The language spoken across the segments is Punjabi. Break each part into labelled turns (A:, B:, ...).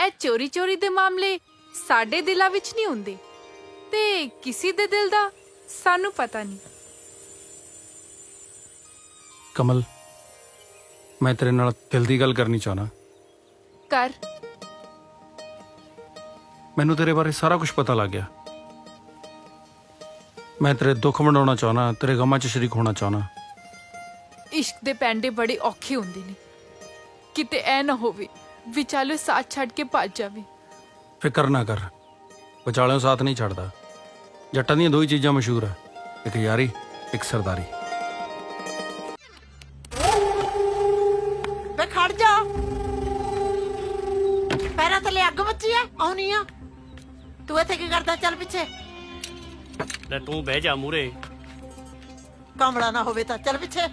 A: ਇਹ ਚੋਰੀ ਚੋਰੀ ਦੇ ਮਾਮਲੇ ਸਾਡੇ ਦਿਲਾਂ ਵਿੱਚ ਨਹੀਂ ਹੁੰਦੇ ਤੇ ਕਿਸੇ ਦੇ ਦਿਲ ਦਾ ਸਾਨੂੰ ਪਤਾ ਨਹੀਂ।
B: ਕਮਲ, ਮੈਂ ਤੇਰੇ ਨਾਲ ਦਿਲ ਦੀ ਗੱਲ ਕਰਨੀ ਚਾਹਨਾ।
A: ਕਰ।
B: ਮੈਨੂੰ ਤੇਰੇ ਬਾਰੇ ਸਾਰਾ ਕੁਝ ਪਤਾ ਲੱਗ ਗਿਆ। ਮੈਂ ਤੇਰੇ ਦੁੱਖ ਵੰਡਾਉਣਾ ਚਾਹਨਾ, ਤੇਰੇ ਗਮਾਂ 'ਚ ਸ਼ਰੀਕ ਹੋਣਾ ਚਾਹਨਾ।
A: ਇਸ਼ਕ ਦੇ ਪੈਂਡੇ ਬੜੇ ਔਖੇ ਹੁੰਦੇ ਨੇ, ਕਿਤੇ ਐ ਨਾ ਹੋਵੇ ਵਿਚਾਲੇ ਸਾਥ ਛੱਡ ਕੇ ਭੱਜ ਜਾਵੇ।
B: ਫਿਕਰ ਨਾ ਕਰ, ਵਿਚਾਲਿਓਂ ਸਾਥ ਨਹੀਂ ਛੱਡਦਾ। ਜੱਟਾਂ ਦੀਆਂ ਦੋ ਹੀ ਚੀਜ਼ਾਂ ਮਸ਼ਹੂਰ ਆ, ਇੱਕ ਯਾਰੀ, ਇੱਕ ਸਰਦਾਰੀ।
C: ਵੇ ਖੜ ਜਾ, ਪੈਰਾਂ ਥੱਲੇ ਅੱਗ ਮੱਚੀ ਐ। ਆਉਣੀ ਆ ਤੂੰ ਇੱਥੇ ਕੀ ਕਰਦਾ? ਚੱਲ ਪਿੱਛੇ।
D: ਲੈ ਤੂੰ ਬਹਿ ਜਾ ਮੂਰੇ।
C: ਕਮਲਾ ਨਾ ਹੋਵੇ ਤਾਂ ਚੱਲ ਪਿੱਛੇ।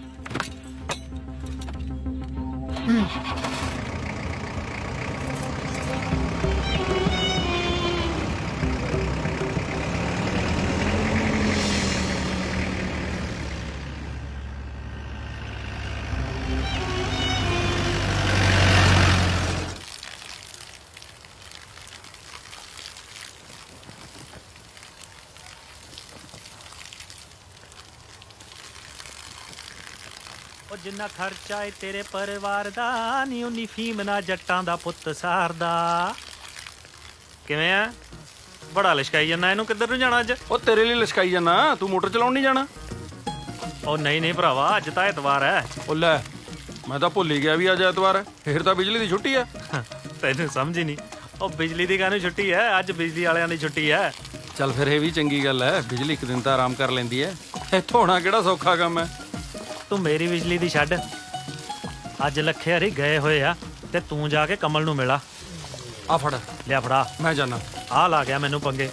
D: ਉਹ ਜਿੰਨਾ ਖਰਚਾ ਏ ਤੇਰੇ ਪਰਿਵਾਰ ਦਾ ਨੀ ਉਨੀ ਫੀਮ ਨਾ ਜੱਟਾਂ ਦਾ ਪੁੱਤ ਸਾਰਦਾ। ਕਿਵੇਂ ਆ? ਬੜਾ ਲਿਸ਼ਕਾਈ ਜਾਂਦਾ। ਇਹਨੂੰ ਕਿੱਧਰ ਨੂੰ ਜਾਣਾ ਅੱਜ?
B: ਉਹ ਤੇਰੇ ਲਈ ਲਿਸ਼ਕਾਈ ਜਾਣਾ, ਤੂੰ ਮੋਟਰ ਚਲਾਉਣ ਨਹੀਂ ਜਾਣਾ?
D: ਉਹ ਨਹੀਂ ਨਹੀਂ ਭਰਾਵਾ, ਅੱਜ ਤਾਂ ਐਤਵਾਰ ਹੈ।
B: ਉਹ ਲੈ, ਮੈਂ ਤਾਂ ਭੁੱਲ ਹੀ ਗਿਆ ਵੀ ਅੱਜ ਐਤਵਾਰ ਹੈ। ਫੇਰ ਤਾਂ ਬਿਜਲੀ ਦੀ ਛੁੱਟੀ ਆ।
D: ਤੈਨੂੰ ਸਮਝ ਹੀ ਨਹੀਂ। ਉਹ ਬਿਜਲੀ ਦੀ ਕਾਹਨੂੰ ਛੁੱਟੀ ਹੈ? ਅੱਜ ਬਿਜਲੀ ਵਾਲਿਆਂ ਦੀ ਛੁੱਟੀ ਹੈ।
B: ਚੱਲ ਫਿਰ ਇਹ ਵੀ ਚੰਗੀ ਗੱਲ ਹੈ, ਬਿਜਲੀ ਇੱਕ ਦਿਨ ਤਾਂ ਆਰਾਮ ਕਰ ਲੈਂਦੀ ਹੈ। ਇੱਥੋਂ ਹੋਣਾ ਕਿਹੜਾ ਸੌਖਾ ਕੰਮ ਹੈ।
D: ਤੂੰ ਮੇਰੀ ਬਿਜਲੀ ਦੀ ਛੱਡ, ਅੱਜ ਲੱਖੇ ਹਰੀ ਗਏ ਹੋਏ ਆ ਤੇ ਤੂੰ ਜਾ ਕੇ ਕਮਲ ਨੂੰ ਮਿਲਾ।
B: ਆ ਫੜ,
D: ਲਿਆ ਫੜਾ।
B: ਮੈਂ ਜਾਣਾ।
D: ਆ ਲਾ ਗਿਆ ਮੈਨੂੰ ਪੰਗੇ।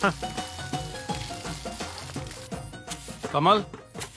B: ਕਮਲ,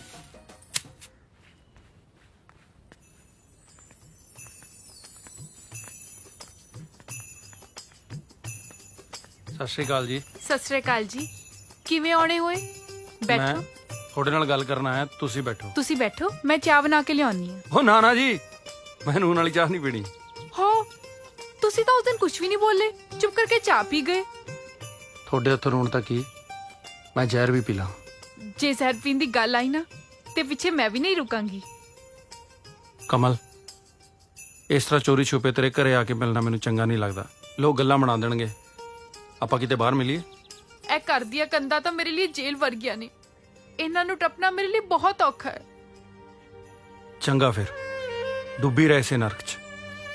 B: ਸਤਿ ਸ਼੍ਰੀ ਅਕਾਲ ਜੀ।
A: ਸਤਿ ਸ੍ਰੀ ਅਕਾਲ ਜੀ। ਕਿਵੇਂ ਆਉਣੇ ਹੋਏ?
B: ਮੈਂ
A: ਬੈਠੋ।
B: ਤੁਹਾਡੇ ਨਾਲ ਗੱਲ ਕਰਨ ਆਇਆ, ਤੁਸੀਂ ਬੈਠੋ।
A: ਤੁਸੀਂ ਬੈਠੋ, ਮੈਂ ਚਾਹ ਬਣਾ ਕੇ ਲਿਆਉਣੀ ਆ।
B: ਉਹ ਨਾ ਜੀ, ਮੈਂ ਨੂਨ ਵਾਲੀ ਚਾਹ ਨਹੀਂ ਪੀਣੀ।
A: ਹੋ, ਤੁਸੀਂ ਤਾਂ ਉਸ ਦਿਨ ਕੁਝ ਵੀ ਨਹੀਂ ਬੋਲੇ, ਚੁੱਪ ਕਰਕੇ ਚਾਹ ਪੀ ਗਏ।
B: ਤੁਹਾਡੇ ਹੱਥੋਂ ਨੂਨ ਤਾਂ ਕੀ, ਮੈਂ ਜ਼ਹਿਰ ਵੀ ਪੀ ਲਾਂ।
A: ਜੇ ਜ਼ਹਿਰ ਪੀਣ ਦੀ ਗੱਲ ਆਈ ਨਾ ਤੇ ਪਿੱਛੇ ਮੈਂ ਵੀ ਨਹੀਂ ਰੁਕਾਂਗੀ।
B: ਕਮਲ, ਇਸ ਤਰ੍ਹਾਂ ਚੋਰੀ ਛੁਪੇ ਤੇਰੇ ਘਰੇ ਆ ਕੇ ਮਿਲਣਾ ਮੈਨੂੰ ਚੰਗਾ ਨਹੀਂ ਲੱਗਦਾ। ਲੋਕ ਗੱਲਾਂ ਬਣਾ ਦੇਣਗੇ। ਆਪਾਂ ਕਿਤੇ ਬਾਹਰ ਮਿਲੀਏ।
A: ਇਹ ਘਰ ਦੀਆਂ ਕੰਧਾਂ ਤਾਂ ਮੇਰੇ ਲਈ ਜੇਲ੍ਹ ਵਰਗੀਆਂ ਨੇ, ਇਹਨਾਂ ਨੂੰ ਟੱਪਣਾ ਮੇਰੇ ਲਈ ਬਹੁਤ ਔਖਾ ਹੈ।
B: ਚੰਗਾ ਫਿਰ, ਡੁੱਬੀ ਰਹੇ ਇਸੇ ਨਰਕ 'ਚ।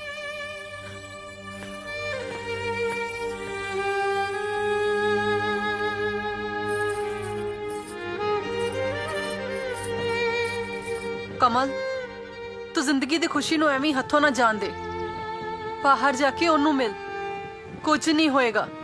E: ਕਮਲ, ਤੂੰ ਜ਼ਿੰਦਗੀ ਦੀ ਖੁਸ਼ੀ ਨੂੰ ਐਵੇਂ ਹੱਥੋਂ ਨਾ ਜਾਣ ਦੇ। ਬਾਹਰ ਜਾ ਕੇ ਉਹਨੂੰ ਮਿਲ, ਕੁਝ ਨਹੀਂ ਹੋਏਗਾ।